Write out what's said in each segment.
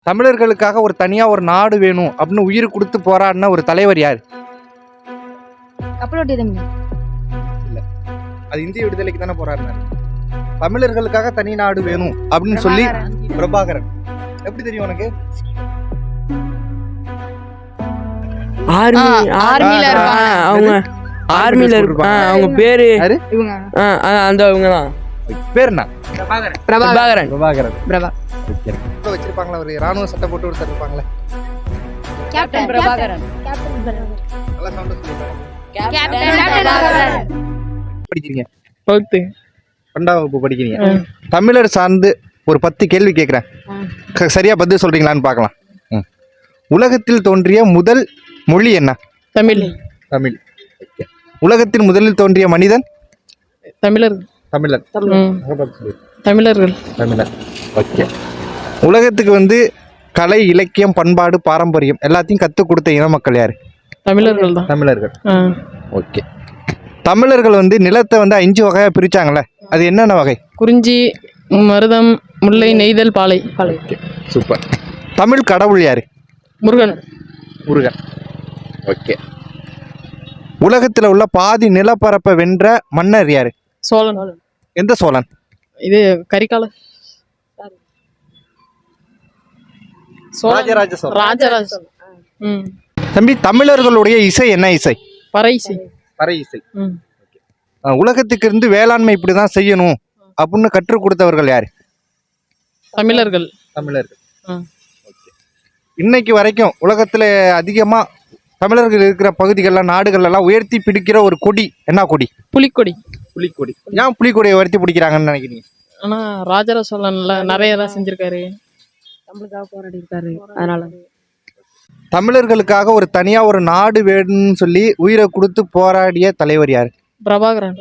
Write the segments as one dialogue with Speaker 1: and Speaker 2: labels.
Speaker 1: தமிழர்களுக்காக ஒரு தனியா ஒரு நாடு வேணும் அப்படின்னு உயிர் கொடுத்து போராடின ஒரு தலைவர் யார்?
Speaker 2: கப்பலோட்டிய தமிழ்.
Speaker 1: இல்ல, அது இந்திய விடுதலைக்கு தானே போராடினாரு. தமிழர்களுக்காக தனி நாடு வேணும் அப்படின்னு சொல்லி பிரபாகரன். எப்படி தெரியும் உனக்கு?
Speaker 3: ஆர்மில இருப்பாங்க அவங்க. ஆர்மில இருப்பாங்க அவங்க பேரு
Speaker 2: இவங்க
Speaker 3: அந்த இவங்க தான்.
Speaker 1: பேர் என்ன?
Speaker 3: பிரபாகரன்.
Speaker 1: வச்சிருப்பாங்களா ஒரு ராணுவ சட்டை போட்டு ஒருத்தர் இருப்பாங்களே.
Speaker 2: கேப்டன் பிரபாகரன்.
Speaker 1: நல்லா சவுண்ட் சொல்லுங்க.
Speaker 2: கேப்டன் பிரபாகரன்.
Speaker 1: படிக்கிறீங்க?
Speaker 3: 12th
Speaker 1: வகுப்பு படிக்கிறீங்க. தமிழர் சார்ந்து ஒரு 10 கேள்வி கேட்குறேன். சரியா பதில் சொல்றீங்களான்னு பார்க்கலாம். உலகத்தில் தோன்றிய முதல் மொழி என்ன?
Speaker 3: தமிழ்.
Speaker 1: தமிழ். உலகத்தில் முதலில் தோன்றிய மனிதன்?
Speaker 3: தமிழர்.
Speaker 1: தமிழர்.
Speaker 3: தமிழர்கள்.
Speaker 1: தமிழர். ஓகே. உலகத்துக்கு கலை, இலக்கியம், பண்பாடு, பாரம்பரியம் எல்லாத்தையும் கற்றுக் கொடுத்த இன மக்கள் யாரு?
Speaker 3: தமிழர்கள் தான்.
Speaker 1: தமிழர்கள். ஓகே. தமிழர்கள் நிலத்தை 5 வகையா பிரிச்சாங்கல்ல, அது என்னென்ன வகை?
Speaker 3: குறிஞ்சி, மருதம், முல்லை, நெய்தல், பாலை.
Speaker 1: Okay, super. தமிழ் கடவுள் யாரு?
Speaker 3: முருகன்.
Speaker 1: முருகன். ஓகே. உலகத்துல உள்ள பாதி நிலப்பரப்பை வென்ற மன்னர் யாரு?
Speaker 3: சோழன்.
Speaker 1: எந்த சோழன்?
Speaker 3: இது கரிகால
Speaker 1: ராஜராஜ சோழன்.
Speaker 3: ராஜராஜ.
Speaker 1: தம்பி, தமிழர்களுடைய இசை என்ன இசை?
Speaker 3: பறை இசை.
Speaker 1: பறை இசை. உலகத்துக்கு வேளாண்மை இப்படிதான் செய்யணும் அப்படின்னு கற்றுக் கொடுத்தவர்கள் யாரு?
Speaker 3: தமிழர்கள்.
Speaker 1: தமிழர்கள். இன்னைக்கு வரைக்கும் உலகத்துல அதிகமா தமிழர்கள் இருக்கிற பகுதிகள்ல, நாடுகள் எல்லாம் உயர்த்தி பிடிக்கிற ஒரு கொடி என்ன கொடி?
Speaker 3: புலிக்கொடி.
Speaker 1: புலிக்கொடி. ஏன் புலிக்கொடியை உயர்த்தி பிடிக்கிறாங்கன்னு நினைக்கிறீங்க?
Speaker 3: ஆனா ராஜராஜ சோழன்ல நிறைய எல்லாம் செஞ்சிருக்காரு,
Speaker 2: நம்மளுக்காக போராடி இருக்காரு. அதனால
Speaker 1: தமிழர்களுக்காக ஒரு தனியா ஒரு நாடு வேணும்னு சொல்லி உயிரை கொடுத்து போராடிய தலைவர் யாரு?
Speaker 3: பிரபாகரன்.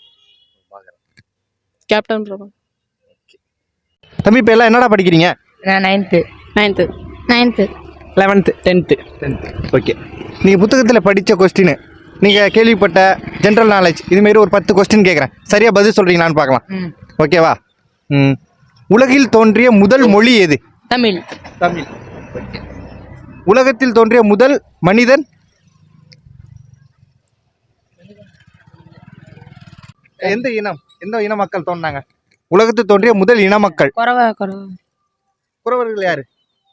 Speaker 3: கேப்டன் பிரபாகரன்.
Speaker 1: தம்பி, இப்ப எல்லாம் என்னடா படிக்கிறீங்க?
Speaker 2: நான் 9th
Speaker 3: 11th 10th.
Speaker 1: ஓகே. நீங்க புத்தகத்துல படிச்ச கொஸ்டின், நீங்க கேள்விப்பட்ட ஜென்ரல் நாலேஜ், இதுமாரி ஒரு 10 கொஸ்டின் கேட்குறேன். சரியா பதில் சொல்றீங்களான்னு பார்க்கலாம். ஓகேவா? உலகில் தோன்றிய முதல் மொழி எது?
Speaker 2: தமிழ்.
Speaker 1: தமிழ். உலகத்தில் தோன்றிய முதல் மனிதன்? எந்த இனம், எந்த இன மக்கள் தோன்றாங்க? உலகத்தில் தோன்றிய முதல் இன மக்கள் குறவர்கள் யாரு?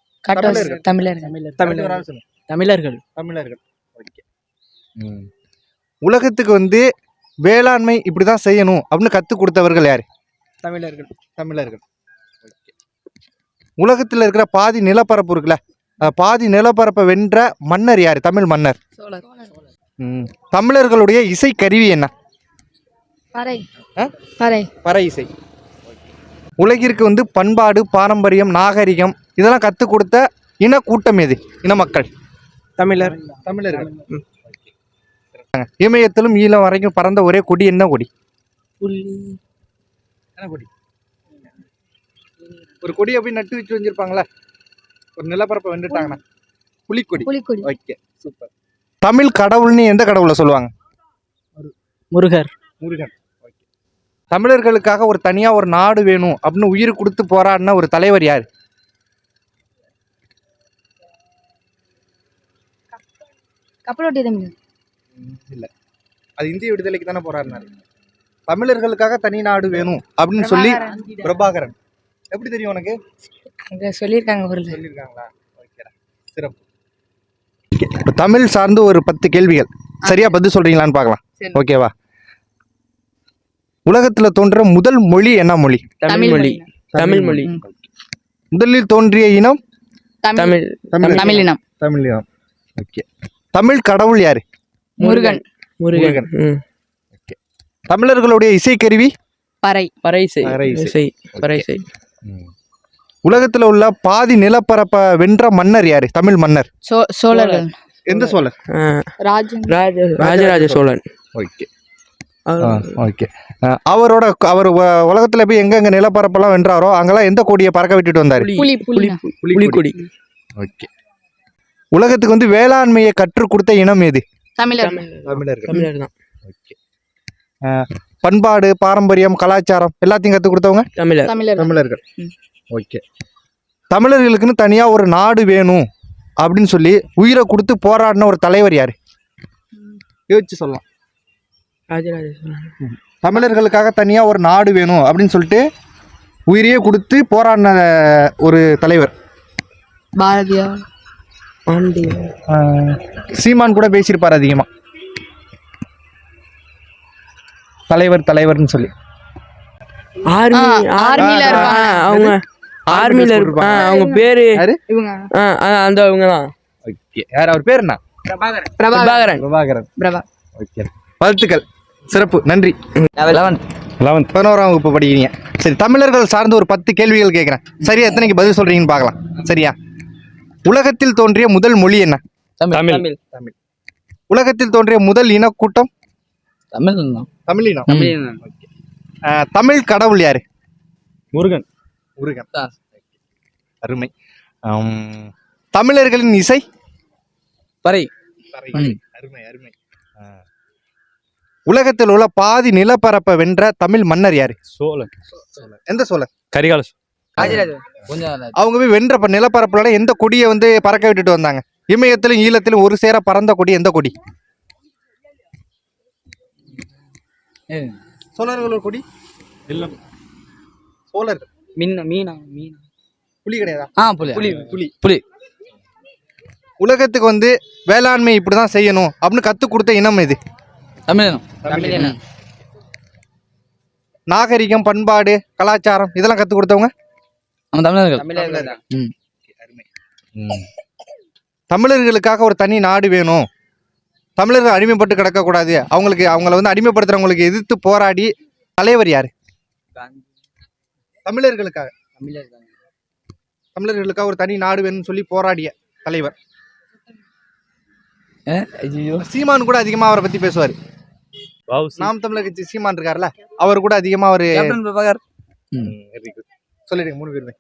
Speaker 3: தமிழர்கள்.
Speaker 1: தமிழர்கள். உலகத்துக்கு வேளாண்மை இப்படிதான் செய்யணும் அப்படின்னு கற்றுக் கொடுத்தவர்கள் யாரு?
Speaker 3: தமிழர்கள்.
Speaker 1: தமிழர்கள். உலகத்தில் இருக்கிற பாதி நிலப்பரப்பு இருக்குல்ல, பாதி நிலப்பரப்பை வென்ற மன்னர் யாரு? தமிழ் மன்னர். தமிழர்களுடைய இசை கருவி என்ன? பறை இசை. உலகிற்கு பண்பாடு, பாரம்பரியம், நாகரிகம் இதெல்லாம் கற்றுக் கொடுத்த இன கூட்டம் எது? இன மக்கள்.
Speaker 3: தமிழர்.
Speaker 1: தமிழர்கள். இமயத்திலும் ஈழம் வரைக்கும் பறந்த ஒரே கொடி என்ன கொடி? என்ன கொடி? ஒரு கொடி அப்படி நட்டு வச்சு வச்சிருப்பாங்களா, ஒரு நிலப்பரப்பை வெண்டுட்டாங்கன்னா? புலிக்கொடி. Okay, super. தமிழ் கடவுள்னு எந்த கடவுளை சொல்லுவாங்க?
Speaker 3: முருகர்.
Speaker 1: முருகன். ஓகே. தமிழர்களுக்காக ஒரு தனியா ஒரு நாடு வேணும் அப்படின்னு உயிர் கொடுத்து போராடின ஒரு தலைவர் யாரு?
Speaker 2: கப்பலோட்டிய தமிழ்.
Speaker 1: இல்ல, அது இந்திய விடுதலைக்கு தானே போராடினாரு. தமிழர்களுக்காக தனி நாடு வேணும் அப்படின்னு சொல்லி பிரபாகரன். எப்படி தெரியும் உனக்கு? சொல்லியிருக்காங்களா? ஓகேடா, சிறப்பு. தமிழ் சார்ந்து ஒரு 10 கேள்விகள். சரியா பதில் சொல்றீங்களான்னு பார்க்கலாம். ஓகேவா? உலகத்துல தோன்ற முதல் மொழி என்ன மொழி?
Speaker 3: தமிழ் மொழி. தமிழ் மொழி.
Speaker 1: முதலில் தோன்றிய இனம்?
Speaker 3: தமிழ்.
Speaker 2: தமிழ் இனம்.
Speaker 1: தமிழ் இனம். ஓகே. தமிழ் கடவுள் யாரு?
Speaker 3: முருகன். முருகன்.
Speaker 1: ஓகே. தமிழர்களுடைய இசைக்கருவி?
Speaker 3: பறை இசை. பறை இசை.
Speaker 1: உலகத்துல உள்ள பாதி நிலப்பரப்பை வென்ற மன்னர் யாரு? தமிழ் மன்னர்.
Speaker 2: சோழர்கள்.
Speaker 1: எந்த சோழர்?
Speaker 3: ராஜராஜ சோழன்.
Speaker 1: ஓகே. ஓகே. அவர் உலகத்துல போய் எங்கெங்க நிலப்பரப்பெல்லாம் வென்றாரோ அங்கெல்லாம் எந்த கொடியை பறக்க விட்டுட்டு வந்தாரு?
Speaker 3: புலிக்கொடி.
Speaker 1: ஓகே. உலகத்துக்கு வேளாண்மையை கற்றுக் கொடுத்த இனம் எது?
Speaker 3: தமிழர்கள் தான்.
Speaker 1: ஓகே. பண்பாடு, பாரம்பரியம், கலாச்சாரம் எல்லாத்தையும் கற்றுக் கொடுத்தவங்க?
Speaker 3: தமிழர்கள்.
Speaker 1: ஓகே. தமிழர்களுக்குன்னு தனியாக ஒரு நாடு வேணும் அப்படின்னு சொல்லி உயிரை கொடுத்து போராடின ஒரு தலைவர் யார்? யோசிச்சு சொல்லலாம்.
Speaker 3: ராஜராஜ சோழன்.
Speaker 1: தமிழர்களுக்காக தனியாக ஒரு நாடு வேணும் அப்படின்னு சொல்லிட்டு உயிரையே கொடுத்து போராடின ஒரு தலைவர்.
Speaker 2: பாரதியா.
Speaker 1: சீமான் கூட பேசியிருப்பார் அதிகமாக தலைவர்னு சொல்லி.
Speaker 2: ஆர்மில இருப்பாங்க.
Speaker 3: அவங்க ஆர்மில இருப்பாங்க. அவங்க பேரு
Speaker 1: யாரு?
Speaker 2: இவங்க
Speaker 3: அந்த அவங்க தான்.
Speaker 1: ஓகே, யார் அவர் பேர் என்ன?
Speaker 2: பிரபாகரன்.
Speaker 1: பிரபாகரன்.
Speaker 2: பிரபா.
Speaker 1: ஓகே, வாழ்த்துக்கள், சிறப்பு, நன்றி. 11ஆம் வகுப்பு படிக்கிறீங்க. சரி, தமிழர்கள் சார்ந்த ஒரு 10 கேள்விகள் கேட்குறேன். சரியா எத்தனைக்கு பதில் சொல்றீங்கன்னு பார்க்கலாம். சரியா? உலகத்தில் தோன்றிய முதல் மொழி என்ன?
Speaker 4: தமிழ்.
Speaker 1: உலகத்தில் தோன்றிய முதல் இனக்கூட்டம்? தமிழினம். தமிழ் கடவுள் யாரு?
Speaker 4: முருகன்.
Speaker 1: அருமை. தமிழர்களின் இசை?
Speaker 4: பறை.
Speaker 1: அருமை. உலகத்தில் உள்ள பாதி நிலப்பரப்பை வென்ற தமிழ் மன்னர் யாரு?
Speaker 4: சோழன்.
Speaker 1: எந்த சோழன்?
Speaker 4: கரிகால
Speaker 1: அவங்க போய் வென்ற நிலப்பரப்புல எந்த கொடியை வந்து பறக்க விட்டுட்டு வந்தாங்க? இமயத்திலும் ஈழத்திலும் ஒரு சேர பறந்த கொடி எந்த கொடி? சோழர்களோட கொடி
Speaker 4: இல்ல.
Speaker 1: சோழர்.
Speaker 4: மீனா
Speaker 1: புலி கிடையாதா?
Speaker 4: புலி.
Speaker 1: உலகத்துக்கு வந்து வேளாண்மை இப்படிதான் செய்யணும் அப்படின்னு கத்து கொடுத்த இனம் எது?
Speaker 4: தமிழினம்.
Speaker 1: நாகரிகம், பண்பாடு, கலாச்சாரம் இதெல்லாம் கத்து கொடுத்தவங்க
Speaker 4: தமிழர்கள்.
Speaker 1: தமிழர்களுக்காக ஒரு தனி நாடு வேணும், தமிழர்கள் அடிமைப்பட்டு கிடக்கக்கூடாது, அவங்கள வந்து அடிமைப்படுத்துறவங்களுக்கு எதிர்த்து போராடி தலைவர் யாரு? தமிழர்களுக்காக ஒரு தனி நாடு வேணும்னு சொல்லி போராடிய தலைவர். சீமான் கூட அதிகமா அவரை பத்தி பேசுவாரு. நாம் தமிழர் கட்சி சீமான் இருக்காருல்ல, அவர் கூட அதிகமா அவரு சொல்லிடுங்க 3 பேருமே.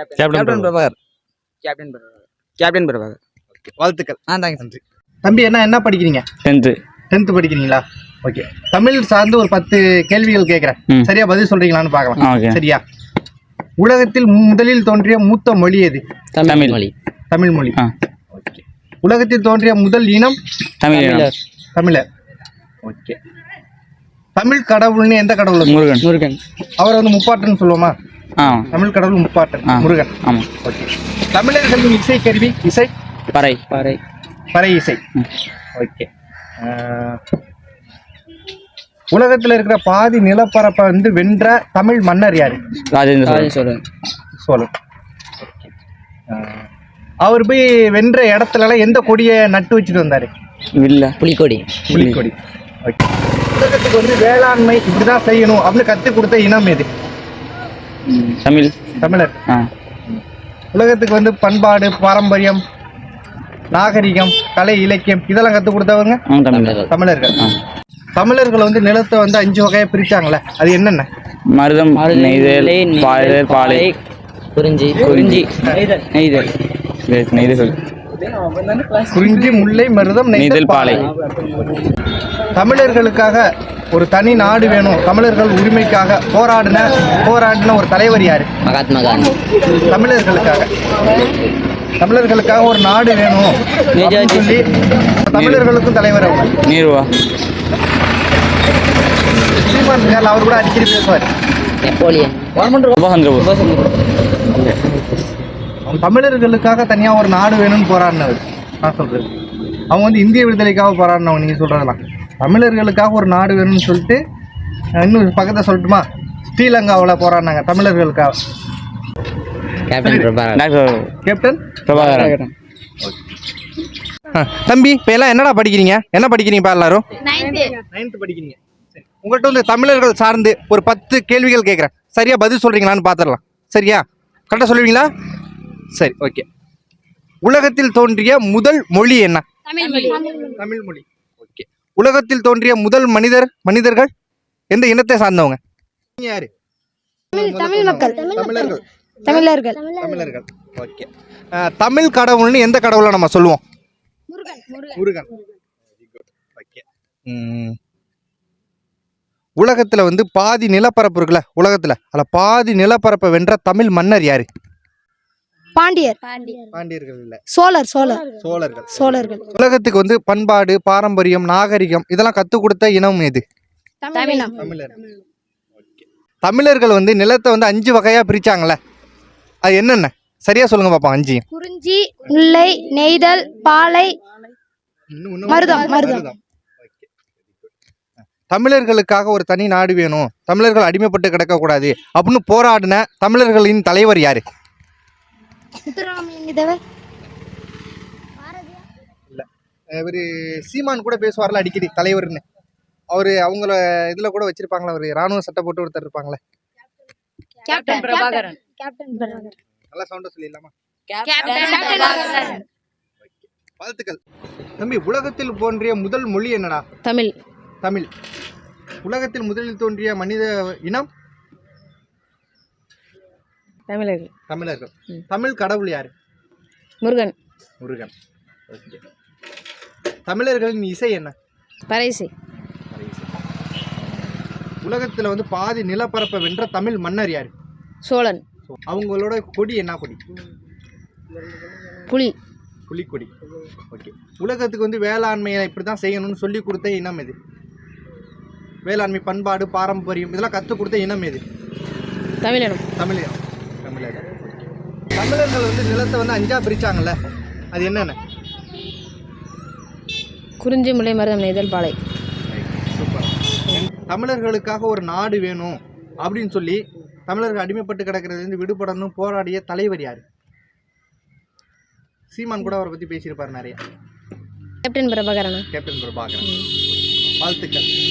Speaker 4: கேப்டன் பிரபாகர்.
Speaker 1: வாழ்த்துக்கள்.
Speaker 4: நன்றி.
Speaker 1: தம்பி என்ன படிக்கிறீங்க? 10th படிக்கிறீங்களா? ஓகே, தமிழ் சார்ந்து ஒரு 10 கேள்விகள் கேட்கிறேன். சரியா பதில் சொல்றீங்களான்னு பார்க்கலாம். சரியா? உலகத்தில் முதலில் தோன்றிய மூத்த மொழி எது? தமிழ் மொழி. ஓகே. உலகத்தில் தோன்றிய முதல் இனம்? தமிழர். ஓகே. தமிழ் கடவுள்னு எந்த கடவுள்?
Speaker 4: முருகன்.
Speaker 1: அவரை வந்து முப்பாட்டன்னு சொல்லுவோமா? தமிழ் கடவுள் முப்பாட்டன் முருகன். ஓகே. தமிழர்களின் இசை கருவி? இசை பறை இசை. ஓகே. உலகத்துல இருக்கிற பாதி நிலப்பரப்பை வந்து வென்ற தமிழ் மன்னர் யாரு? சோழன். அவர் போய் வென்ற இடத்துல எந்த கொடியை நட்டு வச்சுட்டு வந்தாரு? புலிக்கொடி. ஓகே. உலகத்துக்கு வந்து வேளாண்மை இப்படிதான் செய்யணும் அப்படின்னு கத்து கொடுத்த இனம் எது? தமிழர். உலகத்துக்கு வந்து பண்பாடு, பாரம்பரியம், நாகரிகம், கலை, இலக்கியம் இதெல்லாம் கத்து கொடுத்தவங்க தமிழர்கள். தமிழர்கள் வந்து நிலத்தை வந்து 5 வகையா பிரிச்சாங்கல்ல, அது என்னென்ன?
Speaker 5: மருதம், நெய்தல், பாலை, குறிஞ்சி,
Speaker 1: குறிஞ்சி, முல்லை, மருதம், நெய்தல், பாலை. தமிழர்களுக்காக ஒரு தனி நாடு வேணும், தமிழர்கள் உரிமைக்காக போராடின ஒரு தலைவர் யாரு?
Speaker 5: மகாத்மா காந்தி.
Speaker 1: தமிழர்களுக்காக ஒரு நாடு வேணும் சொல்லி தமிழர்களுக்கும் தலைவர் அவங்க.
Speaker 5: நீருவா.
Speaker 1: சீமான் இருக்கார்ல, அவர் கூட அடிக்கடி பேசுவார்.
Speaker 5: நெப்போலியன்.
Speaker 1: தமிழர்களுக்காக தனியா ஒரு நாடு வேணும்னு போராடினவர் நான் சொல்றது. அவங்க வந்து இந்திய விடுதலைக்காக போராடினவங்க. நீங்க சொல்றதெல்லாம் தமிழர்களுக்காக ஒரு நாடு வேணும்னு சொல்லிட்டு இன்னும் பக்கத்தை சொல்லட்டுமா? ஸ்ரீலங்காவில் போராடினாங்க தமிழர்களுக்காக. கேப்டன் பிரபாகரன். தம்பி, இப்போ எல்லாம் என்னடா படிக்கிறீங்க? என்ன படிக்கிறீங்கப்பா எல்லாரும்? 9th படிக்கிறீங்க. சரி, உங்கள்கிட்ட வந்து தமிழர்கள் சார்ந்து ஒரு 10 கேள்விகள் கேட்குறேன். சரியா பதில் சொல்றீங்களான்னு பார்த்துடலாம். சரியா? கரெக்டாக சொல்லுவீங்களா? சரி, ஓகே. உலகத்தில் தோன்றிய முதல் மொழி என்ன? தமிழ் மொழி. ஓகே. உலகத்தில் தோன்றிய முதல் மனிதர்கள் எந்த இனத்தை சார்ந்தவங்க? யாரு? தமிழர்கள். ஓகே. தமிழ் கடவுள்னு எந்த கடவுளை நம்ம சொல்லுவோம்? முருகன். ஓகே. உலகத்துல வந்து பாதி நிலப்பரப்பு இருக்குல்ல, உலகத்துல அதுல பாதி நிலப்பரப்பை வென்ற தமிழ் மன்னர் யாரு?
Speaker 2: பாண்டியர்
Speaker 1: பாண்டியர்கள் இல்ல,
Speaker 2: சோழர்கள்
Speaker 1: சோழர்கள். உலகத்துக்கு வந்து பண்பாடு, பாரம்பரியம், நாகரிகம் இதெல்லாம் கற்றுக் கொடுத்த இனம் எது?
Speaker 2: தமிழம்
Speaker 1: தமிழர். தமிழர்கள் வந்து நிலத்தை வந்து 5 வகையா பிரிச்சாங்கல்ல, அது என்னென்ன சரியா சொல்லுங்க பாப்போம். 5
Speaker 2: குறிஞ்சி, முல்லை, நெய்தல், பாலை, மருதம்.
Speaker 1: தமிழர்களுக்காக ஒரு தனி நாடு வேணும், தமிழர்கள் அடிமைப்பட்டு கிடக்கக்கூடாது அப்படின்னு போராடின தமிழர்களின் தலைவர் யாரு? இவர் சீமான் கூட பேசுவார்ல அடிக்கடி தலைவர்னு. அவரு அவங்கள இதுல கூட வச்சிருப்பாங்களா, ஒரு ராணுவ சட்டை போட்டு ஒருத்தர் இருப்பாங்களே.
Speaker 2: கேப்டன் பிரபாகரன்.
Speaker 1: நல்லா சவுண்டா சொல்லிடலாமா? வாழ்த்துக்கள் தம்பி. உலகத்தில் தோன்றிய முதல் மொழி என்னடா?
Speaker 2: தமிழ்.
Speaker 1: தமிழ். உலகத்தில் முதலில் தோன்றிய மனித இனம்?
Speaker 2: தமிழர்கள்.
Speaker 1: தமிழர்கள். தமிழ் கடவுள் யாரு?
Speaker 2: முருகன்.
Speaker 1: முருகன். தமிழர்களின் இசை என்ன?
Speaker 2: பறைசை.
Speaker 1: உலகத்துல வந்து பாதி நிலப்பரப்பை வென்ற தமிழ் மன்னர் யாரு?
Speaker 2: சோழன்.
Speaker 1: அவங்களோட கொடி என்ன கொடி?
Speaker 2: புலி.
Speaker 1: புலிக்கொடி. ஓகே. உலகத்துக்கு வந்து வேளாண்மையை இப்படி தான் செய்யணும்னு சொல்லி கொடுத்த இனம் எது? வேளாண்மை, பண்பாடு, பாரம்பரியம் இதெல்லாம் கற்றுக் கொடுத்த இனம் எது?
Speaker 2: தமிழினம்.
Speaker 1: தமிழினம். தமிழர்கள். தமிழர்கள் வந்து நிலத்தை வந்து 5ஆ பிரிச்சாங்கல்ல, அது என்னென்ன?
Speaker 2: குறிஞ்சி, முல்லை, மருதம், நெய்தல், பாலை.
Speaker 1: சூப்பர். தமிழர்களுக்காக ஒரு நாடு வேணும் அப்படின்னு சொல்லி தமிழர்கள் அடிமைப்பட்டு கிடக்கிறதுலேருந்து விடுபடணும் போராடிய தலைவர் யார்? சீமான் கூட அவரை பற்றி பேசியிருப்பார் நிறைய.
Speaker 2: கேப்டன் பிரபாகரன்.
Speaker 1: கேப்டன் பிரபாகரன். வாழ்த்துக்கள்.